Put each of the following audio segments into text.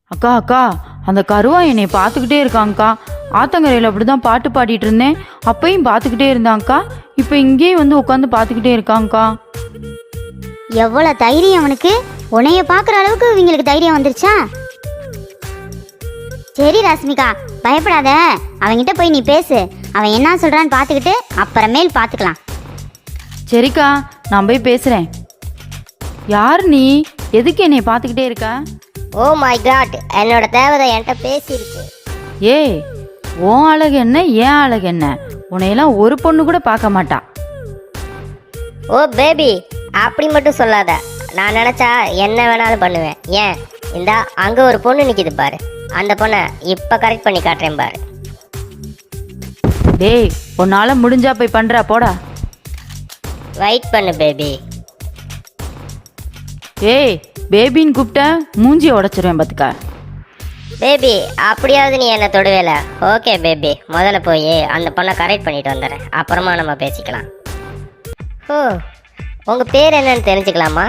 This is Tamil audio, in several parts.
அக்கா அக்கா, அந்த கருவா என்னை பார்த்துக்கிட்டே இருக்காங்க்கா. ஆத்தங்கரையில் அப்படிதான் பாட்டு பாடிட்டு இருந்தேன், அப்பையும் பார்த்துக்கிட்டே இருந்தாங்க்கா. இப்போ இங்கேயும் வந்து உட்காந்து பார்த்துக்கிட்டே இருக்காங்க்கா. எவ்வளோ தைரியம் அவனுக்கு! உன்னைய பார்க்குற அளவுக்கு இவங்களுக்கு தைரியம் வந்துருச்சா? சரி ராஸ்மிகா, பயப்படாத. அவன்கிட்ட போய் நீ பேசு. அவன் என்ன சொல்கிறான்னு பார்த்துக்கிட்டு அப்புறமேல் பார்த்துக்கலாம். சரிக்கா, நான் போய் பேசுகிறேன். யார் நீ? எதுக்கு என்னை பார்த்துக்கிட்டே இருக்க? ஓ மை காட், என்னோட தேவதை என்கிட்ட பேசிருச்சு. ஏய், உன் அழகு என்ன, ஏன் அழகு என்ன? உன்னையெல்லாம் ஒரு பொண்ணு கூட பார்க்க மாட்டா. ஓ பேபி, அப்படி மட்டும் சொல்லாத. நான் நினச்சா என்ன வேணாலும் பண்ணுவேன். ஏன், இந்தா அங்கே ஒரு பொண்ணு நிற்கிது பாரு. அந்த பொண்ணை இப்போ கரெக்ட் பண்ணி காட்டுறேன் பாரு. டேய், உன்னால் முடிஞ்சா போய் பண்ணுறா, போடா. வெயிட் பண்ணு பேபி. ஏய், பேபின்னு கூப்பிட்ட மூஞ்சியை உடச்சிருவேன் பார்த்துக்கா. பேபி, அப்படியாவது நீ என்ன தொடுவேல? ஓகே பேபி, முதல்ல போய் அந்த பொண்ணை கரெக்ட் பண்ணிட்டு வந்துடுறேன். அப்புறமா நம்ம பேசிக்கலாம். ஓ, உங்கள் பேர் என்னன்னு தெரிஞ்சுக்கலாமா?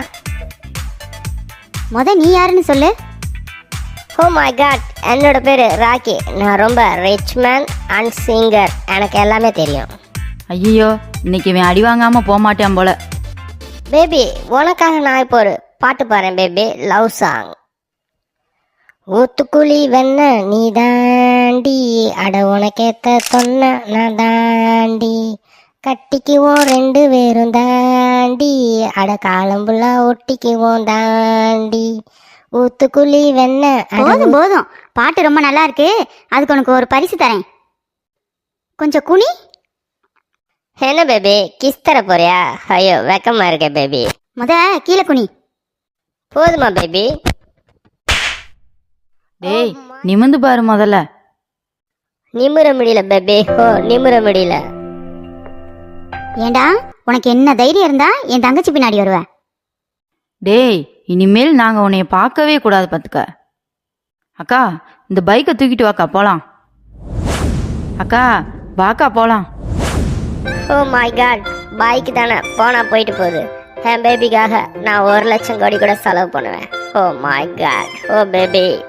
நீ யாருன்னு சொல்லு. ஓ மை காட், என்னோட பேர் ராக்கி. நான் ரொம்ப ரிச் மேன் அண்ட் சிங்கர். எனக்கு எல்லாமே தெரியும். ஐயோ, இன்னைக்கு இவன் அடி வாங்காமல் போக மாட்டேன் போல. பேபி, உனக்காக நான் இப்போ ஒரு பாட்டு பாடுறேன் பேபி. Love song. ஊத்துக்குழி வெண்ண நீ தாண்டி, அட உனக்கேத்த சொன்ன நான் தாண்டி, கட்டிக்குவோம் ரெண்டு பேரும் தாண்டி, அட காலம்புல்லா ஒட்டிக்குவோம் தாண்டி, ஊத்துக்குழி வெண்ண. போதும் போதும், பாட்டு ரொம்ப நல்லா இருக்கு. அதுக்கு உனக்கு ஒரு பரிசு தரேன். கொஞ்சம் குனி. என்ன பேபி, கிஸ் தர போறியா? ஐயோ, வெக்கமா இருக்கே பேபி. கீழே குனி. போதுமா பேபி? டேய், நிமிந்து பாரு முதல்ல. நிமிர முடியல பேபி. ஓ, நிமிர முடியல. ஏண்டா, உனக்கு என்ன தைரியம் இருந்தா என் தங்கச்சி பின்னாடி வருவ? டேய், இனிமேல் நாங்கள் உன்னைய பார்க்கவே கூடாது பார்த்துக்க. அக்கா, இந்த பைக்கை தூக்கிட்டு வாக்கா, போகலாம். அக்கா, வாக்கா போகலாம். ஓ மை காட், பைக் தானே, போனா போயிட்டு போகுது. என் பேபிக்காக நான் 1,00,000 கோடி கூட செலவு பண்ணுவேன். Oh my God, oh baby.